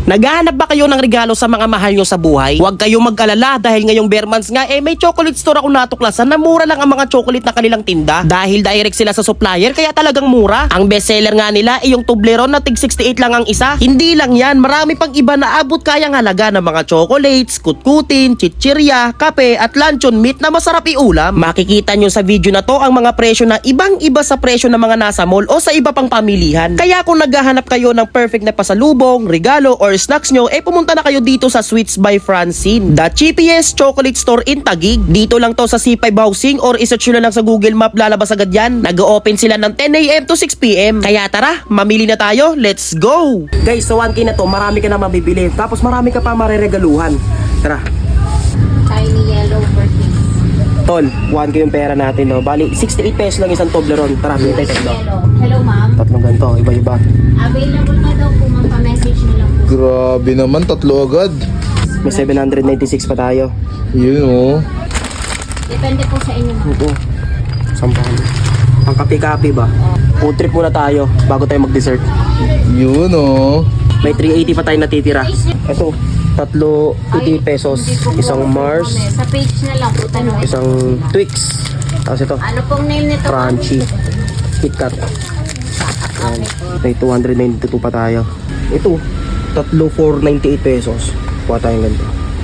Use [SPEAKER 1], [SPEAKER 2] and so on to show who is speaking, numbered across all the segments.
[SPEAKER 1] Naghahanap ba kayo ng regalo sa mga mahal nyo sa buhay? Huwag kayong mag-alala dahil ngayong bare months nga may chocolate store ako natuklasan na mura lang ang mga chocolate na kanilang tinda. Dahil direct sila sa supplier kaya talagang mura. Ang bestseller nga nila ay yung Toblerone na tig 68 lang ang isa. Hindi lang yan, marami pang iba na abot kayang halaga ng mga chocolates, kutkutin, chichirya, kape at luncheon meat na masarap iulam. Makikita nyo sa video na to ang mga presyo na ibang-iba sa presyo ng mga nasa mall o sa iba pang pamilihan. Kaya kung naghahanap kayo ng perfect na pasalubong, regalo or snacks nyo, pumunta na kayo dito sa Sweets by Francine, the cheapest chocolate store in Taguig. Dito lang to sa C5 Housing or isearch nyo na lang sa Google Map, lalabas agad yan. Nag-open sila ng 10 AM to 6 PM. Kaya tara, mamili na tayo, let's go! Guys, sa 1K na to, marami ka na mabibili. Tapos marami ka pa mareregaluhan. Tara.
[SPEAKER 2] Tiny yellow birthday.
[SPEAKER 1] Tol, 1K yung pera natin, no? Bali, 68 pesos lang isang Toblerone. Tara, bili tayo tatlo.
[SPEAKER 2] Yellow. Hello, ma'am.
[SPEAKER 1] Tatlong ganito, iba-iba.
[SPEAKER 2] Available na daw po, ma'am. Pa-message nyo lang po.
[SPEAKER 3] Grabe naman, tatlo agad.
[SPEAKER 1] May 796 pa tayo.
[SPEAKER 3] Yun oh.
[SPEAKER 2] Depende po sa inyo, ma'am.
[SPEAKER 1] Oo. Sampahan. Ang kape-kape ba? Food trip muna tayo bago tayo mag-dessert.
[SPEAKER 3] Yun oh.
[SPEAKER 1] May 380 pa tayo natitira. Ito, tatlo 80 pesos.
[SPEAKER 2] Hindi po po
[SPEAKER 1] Isang
[SPEAKER 2] po,
[SPEAKER 1] Mars,
[SPEAKER 2] ma'am, eh. Sa page na lang po, tanong.
[SPEAKER 1] isang Twix. Tapos ito,
[SPEAKER 2] Ano pong name nito? ma'am?
[SPEAKER 1] Crunchy. KitKat. Ayan. May 292 pa tayo. Ito, tatlo 498 pesos. Kuha tayong ganito.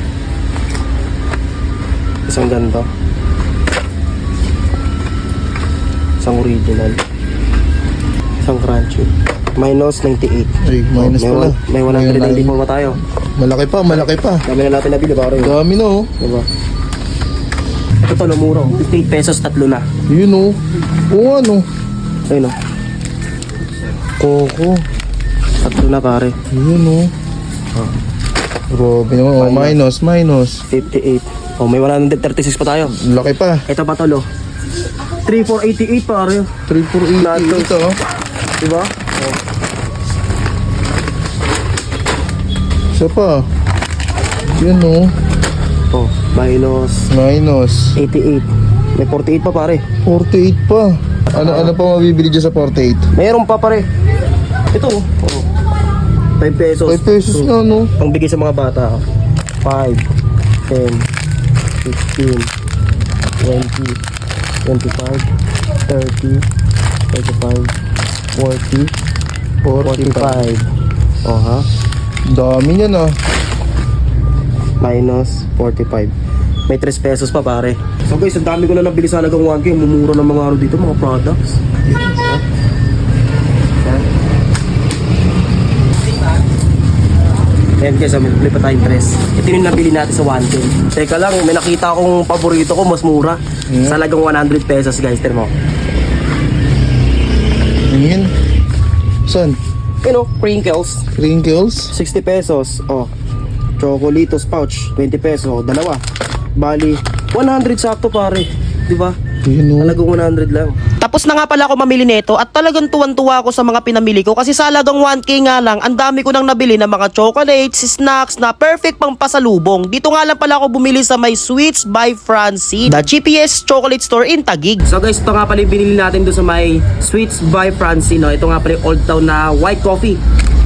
[SPEAKER 1] Isang ganito. Isang original. Isang crunchy. Minus 98.
[SPEAKER 3] Ay, minus pala.
[SPEAKER 1] May 194 pa tayo.
[SPEAKER 3] Malaki pa, malaki pa.
[SPEAKER 1] Dami na natin nabili pare.
[SPEAKER 3] Dami na oh.
[SPEAKER 1] Diba? Ito to, lumuro. 58 pesos, tatlo na.
[SPEAKER 3] Yun oh. Oo ano.
[SPEAKER 1] Ayun o.
[SPEAKER 3] Coco.
[SPEAKER 1] Tatlo na pare.
[SPEAKER 3] Yun oh. Grabe naman oh. Minus, minus.
[SPEAKER 1] 58. Oh, may 136 pa tayo.
[SPEAKER 3] Laki pa.
[SPEAKER 1] Ito pa tolo. 3488 pare.
[SPEAKER 3] 3488 ito oh.
[SPEAKER 1] Diba?
[SPEAKER 3] Isa pa. Yun oh.
[SPEAKER 1] Oh, minus
[SPEAKER 3] Minus.
[SPEAKER 1] 88. May 48 pa pare.
[SPEAKER 3] 48 pa. Ano pa mabibili dyan sa 48?
[SPEAKER 1] Meron pa pare. Ito oh. 5 pesos.
[SPEAKER 3] 5 pesos na no.
[SPEAKER 1] Pang bigay sa mga bata. 5, 10, 15, 20, 25, 30, 35, 40, 45. Oh ha?
[SPEAKER 3] Dami niyan ah.
[SPEAKER 1] Minus 45. May 3 pesos pa pare. So guys, ang dami ko na nabili sa halagang 1K. Mumura ng mga ano dito, mga products. Ayan guys, may pa tayong 3. Ito yung nabili natin sa 1K. Teka lang, may nakita akong paborito ko, mas mura. Sa halagang 100 pesos guys, tignan mo.
[SPEAKER 3] Yun. Saan?
[SPEAKER 1] You know, crinkles.
[SPEAKER 3] Crinkles?
[SPEAKER 1] 60 pesos. Oh. Chocolitos pouch, 20 pesos. Dalawa. Bali, 100 sakto pare. Di ba?
[SPEAKER 3] Yun oh.
[SPEAKER 1] Talagang 100 lang. Tapos na nga pala ako mamili nito at talagang tuwan-tuwa ako sa mga pinamili ko kasi sa halagang 1K nga lang, ang dami ko nang nabili ng mga chocolates, snacks na perfect pang pasalubong. Dito nga lang pala ako bumili sa may Sweets by Francine, the cheapest chocolate store in Taguig. So guys, ito nga pala yung binili natin doon sa may Sweets by Francine. No? Ito nga pala yung Old Town na white coffee.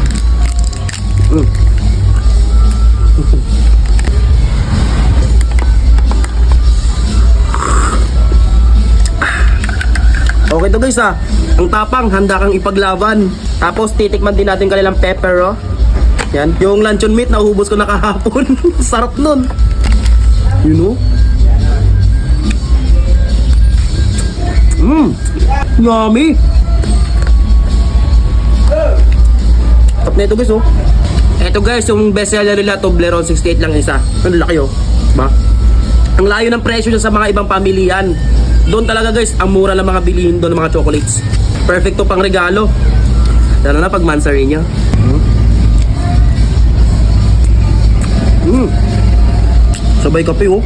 [SPEAKER 1] Okay to guys ah. Ang tapang, handa kang ipaglaban. Tapos titikman din natin kanilang pepper oh. Yan. Yung luncheon meat nauubos ko na kahapon. Sarap nun. You know? Yummy. Top na ito guys oh. Ito guys, yung bestseller nila Toblerone, 68 lang isa. Ang laki oh. Ba? Ang layo ng presyo sa mga ibang pamilihan. Doon talaga guys, ang mura lang mga bilihin doon ng mga chocolates. Perfecto pang regalo. Lalo na pag mansari nyo. Sabay kape oh.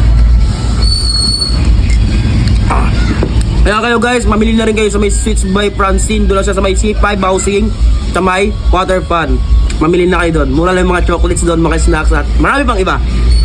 [SPEAKER 1] Kaya kayo guys, mamili na rin kayo sa may Sweets by Francine. Doon lang siya sa may C5 Housing, sa may Water Fun. Mamili na kayo doon. Mura lang yung mga chocolates doon, mga snacks at marami pang iba.